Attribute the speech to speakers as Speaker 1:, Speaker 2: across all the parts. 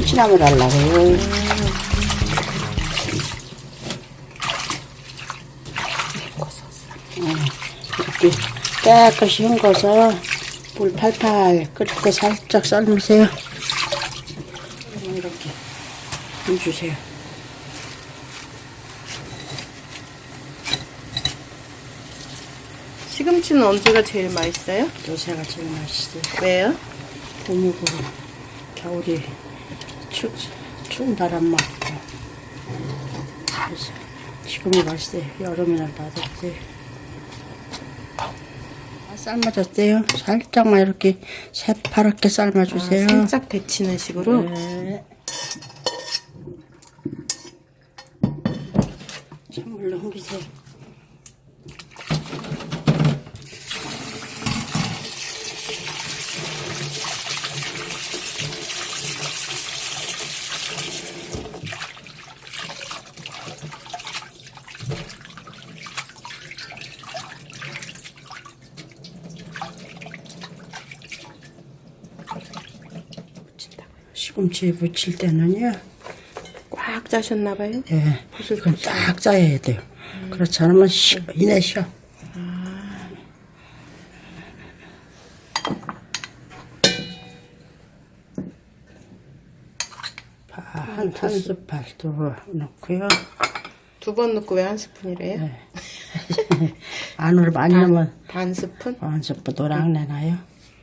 Speaker 1: 참치나물 하려고요. 이렇게 깨끗이 헹궈서 물 팔팔 끓일 때 살짝 삶으세요. 이렇게 해주세요.
Speaker 2: 시금치는 언제가 제일 맛있어요?
Speaker 1: 요새가 제일 맛있어요.
Speaker 2: 왜요?
Speaker 1: 봄이고 겨울이 추운 바람 맞고 그래서 지금이 맛있어요. 여름에는 맛없어요. 삶아졌대요. 살짝만 이렇게 새파랗게 삶아주세요.
Speaker 2: 살짝 데치는 식으로?
Speaker 1: 네. 찬물로 헹기세요. 시금치 무칠 때는요.
Speaker 2: 꽉 짜셨나봐요?
Speaker 1: 예, 이건 딱 짜야 돼요. 그렇지 않으면 이내 쉬어. 한 스푼 더 넣고요.
Speaker 2: 2번 넣고 왜 1스푼이래요?
Speaker 1: 네. 안으로 많이 넣으면
Speaker 2: 반 스푼?
Speaker 1: 한 스푼 노랑 내놔요.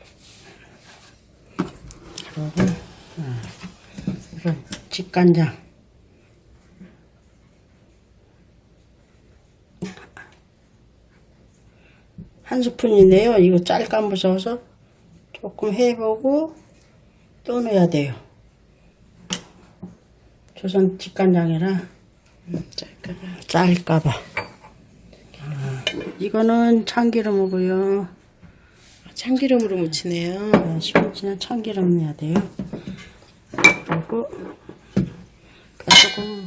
Speaker 1: 그리고 이건 직간장. 한 스푼인데요. 이거 짤까 무서워서 조금 해보고 또 넣어야 돼요. 조선 직간장이라 짤까봐. 이거는 참기름이고요.
Speaker 2: 참기름으로 무치네요.
Speaker 1: 네, 시금치는 참기름 넣어야 돼요. 그리고 조금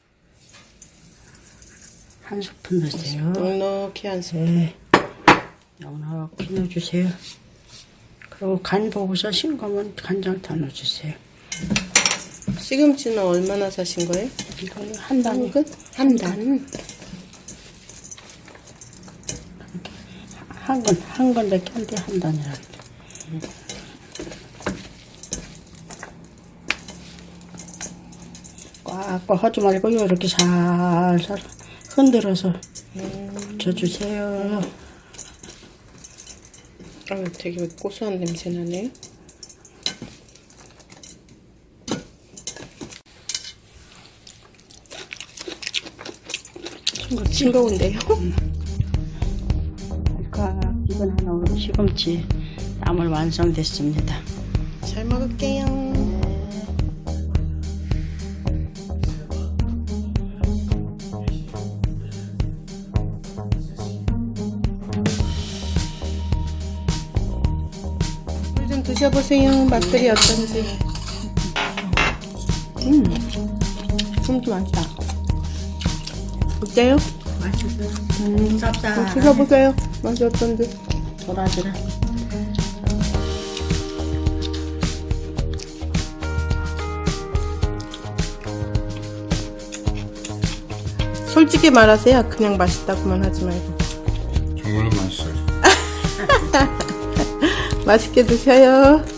Speaker 1: 한 스푼 넣으세요.
Speaker 2: 넉넉히 한 스푼.
Speaker 1: 네, 넉넉히 넣어주세요. 그리고 간 보고서 싱거면 간장 더 넣어주세요.
Speaker 2: 시금치는 얼마나 사신 거예요?
Speaker 1: 이거 한 단이.
Speaker 2: 한 단?
Speaker 1: 한 건밖에 안 돼, 한 단이라. 꽉꽉 하지 말고 이렇게 살살 흔들어서 붙여주세요.
Speaker 2: 되게 고소한 냄새 나네요. 싱거운데요?
Speaker 1: 이건 하나 시금치 나물 완성됐습니다.
Speaker 2: 잘 먹을게요. 물 좀 드셔보세요. 맛들이 어떤지. 진짜 맛있다. 어때요?
Speaker 1: 맛있어요. 쌉싸.
Speaker 2: 드셔보세요. 맛이 어떤지.
Speaker 1: 도라지를.
Speaker 2: 솔직히 말하세요. 그냥 맛있다고만 하지 말고.
Speaker 3: 정말 맛있어요.
Speaker 2: 맛있게 드셔요.